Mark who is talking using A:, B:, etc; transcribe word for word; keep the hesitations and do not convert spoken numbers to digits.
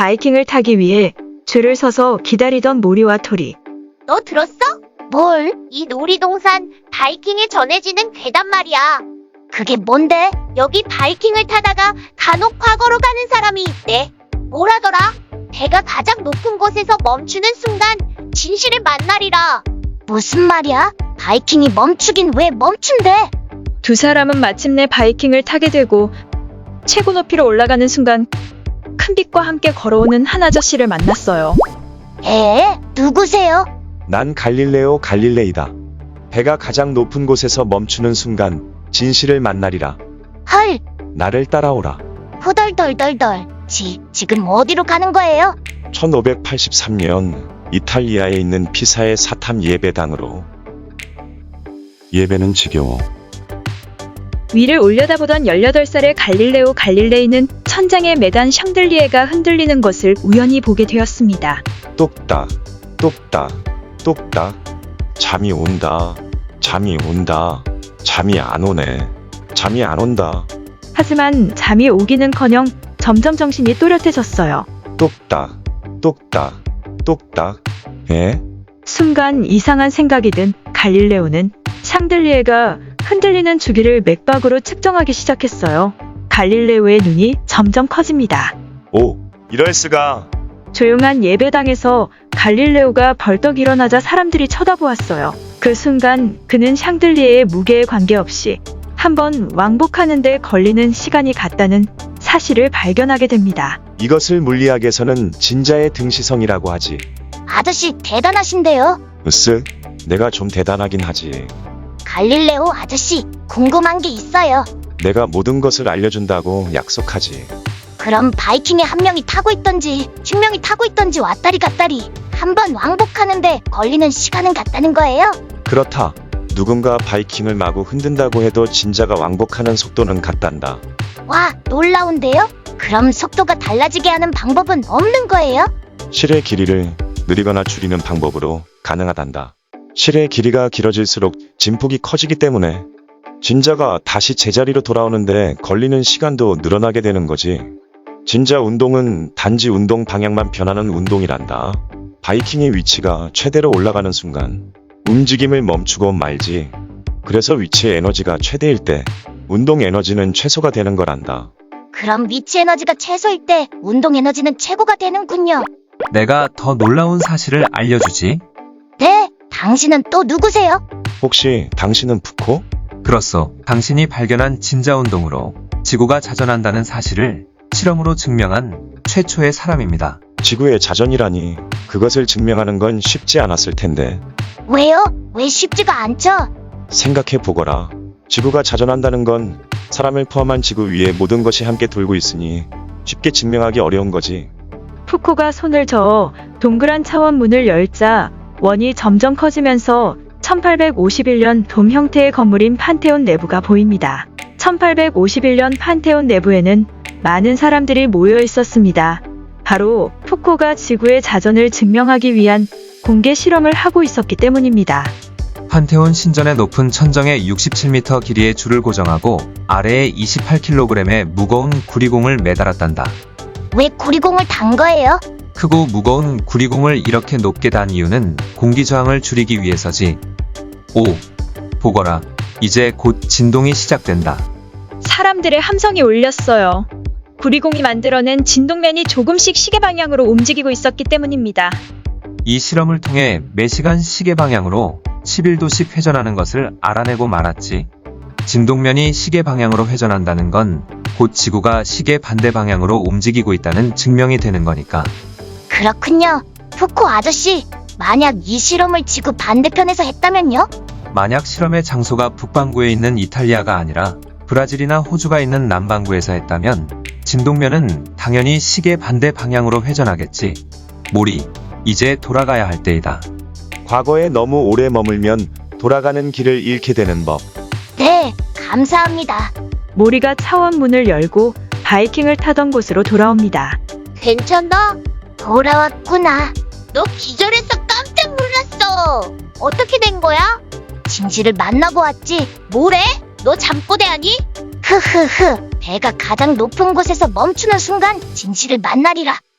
A: 바이킹을 타기 위해 줄을 서서 기다리던 모리와 토리.
B: 너 들었어? 뭘? 이 놀이동산 바이킹에 전해지는 괴담 말이야. 그게 뭔데? 여기 바이킹을 타다가 간혹 과거로 가는 사람이 있대. 뭐라더라? 배가 가장 높은 곳에서 멈추는 순간 진실을 만나리라. 무슨 말이야? 바이킹이 멈추긴 왜 멈춘대?
A: 두 사람은 마침내 바이킹을 타게 되고 최고 높이로 올라가는 순간 큰 빛과 함께 걸어오는 한 아저씨를 만났어요.
B: 에? 누구세요?
C: 난 갈릴레오 갈릴레이다. 배가 가장 높은 곳에서 멈추는 순간 진실을 만나리라.
B: 헐,
C: 나를 따라오라.
B: 후덜덜덜덜. 지, 지금 어디로 가는 거예요?
C: 천오백팔십삼 년 이탈리아에 있는 피사의 사탐 예배당으로. 예배는 지겨워.
A: 위를 올려다보던 열여덟 살의 갈릴레오 갈릴레이는 천장에 매단 샹들리에가 흔들리는 것을 우연히 보게 되었습니다.
C: 똑딱, 똑딱, 똑딱. 잠이 온다. 잠이 온다. 잠이 안 오네. 잠이 안 온다.
A: 하지만 잠이 오기는커녕 점점 정신이 또렷해졌어요.
C: 똑딱, 똑딱, 똑딱. 에?
A: 순간 이상한 생각이 든 갈릴레오는 샹들리에가 흔들리는 주기를 맥박으로 측정하기 시작했어요. 갈릴레오의 눈이 점점 커집니다.
C: 오, 이럴 수가.
A: 조용한 예배당에서 갈릴레오가 벌떡 일어나자 사람들이 쳐다보았어요. 그 순간 그는 샹들리에의 무게에 관계없이 한번 왕복하는 데 걸리는 시간이 같다는 사실을 발견하게 됩니다.
C: 이것을 물리학에서는 진자의 등시성이라고 하지.
B: 아저씨 대단하신데요?
C: 으쓱, 내가 좀 대단하긴 하지.
B: 갈릴레오 아저씨, 궁금한 게 있어요.
C: 내가 모든 것을 알려준다고 약속하지.
B: 그럼 바이킹에 한 명이 타고 있던지 십 명이 타고 있던지 왔다리 갔다리 한 번 왕복하는데 걸리는 시간은 같다는 거예요?
C: 그렇다. 누군가 바이킹을 마구 흔든다고 해도 진자가 왕복하는 속도는 같단다.
B: 와, 놀라운데요? 그럼 속도가 달라지게 하는 방법은 없는 거예요?
C: 실의 길이를 느리거나 줄이는 방법으로 가능하단다. 실의 길이가 길어질수록 진폭이 커지기 때문에 진자가 다시 제자리로 돌아오는데 걸리는 시간도 늘어나게 되는 거지. 진자 운동은 단지 운동 방향만 변하는 운동이란다. 바이킹의 위치가 최대로 올라가는 순간 움직임을 멈추고 말지. 그래서 위치의 에너지가 최대일 때 운동 에너지는 최소가 되는 거란다.
B: 그럼 위치 에너지가 최소일 때 운동 에너지는 최고가 되는군요.
D: 내가 더 놀라운 사실을 알려주지.
B: 네, 당신은 또 누구세요?
C: 혹시 당신은 푸코?
D: 그렇소. 당신이 발견한 진자 운동으로 지구가 자전한다는 사실을 실험으로 증명한 최초의 사람입니다.
C: 지구의 자전이라니 그것을 증명하는 건 쉽지 않았을 텐데.
B: 왜요? 왜 쉽지가 않죠?
C: 생각해보거라. 지구가 자전한다는 건 사람을 포함한 지구 위에 모든 것이 함께 돌고 있으니 쉽게 증명하기 어려운 거지.
A: 푸코가 손을 저어 동그란 차원 문을 열자 원이 점점 커지면서 천팔백오십일 년 돔 형태의 건물인 판테온 내부가 보입니다. 천팔백오십일 년 판테온 내부에는 많은 사람들이 모여 있었습니다. 바로 푸코가 지구의 자전을 증명하기 위한 공개 실험을 하고 있었기 때문입니다.
D: 판테온 신전의 높은 천정에 육십칠 미터 길이의 줄을 고정하고 아래에 이십팔 킬로그램의 무거운 구리공을 매달았단다.
B: 왜 구리공을 단 거예요?
D: 크고 무거운 구리공을 이렇게 높게 단 이유는 공기 저항을 줄이기 위해서지. 오, 보거라. 이제 곧 진동이 시작된다.
A: 사람들의 함성이 울렸어요. 구리공이 만들어낸 진동면이 조금씩 시계 방향으로 움직이고 있었기 때문입니다.
D: 이 실험을 통해 매시간 시계 방향으로 십일 도씩 회전하는 것을 알아내고 말았지. 진동면이 시계 방향으로 회전한다는 건 곧 지구가 시계 반대 방향으로 움직이고 있다는 증명이 되는 거니까.
B: 그렇군요. 푸코 아저씨, 만약 이 실험을 지구 반대편에서 했다면요?
D: 만약 실험의 장소가 북반구에 있는 이탈리아가 아니라 브라질이나 호주가 있는 남반구에서 했다면 진동면은 당연히 시계 반대 방향으로 회전하겠지. 모리, 이제 돌아가야 할 때이다.
C: 과거에 너무 오래 머물면 돌아가는 길을 잃게 되는 법.
B: 네, 감사합니다.
A: 모리가 차원 문을 열고 바이킹을 타던 곳으로 돌아옵니다.
B: 괜찮아? 돌아왔구나. 너 기절해서 깜짝 놀랐어. 어떻게 된 거야? 진실을 만나고 왔지. 뭐래? 너 잠꼬대 하니? 흐흐흐. 배가 가장 높은 곳에서 멈추는 순간 진실을 만나리라.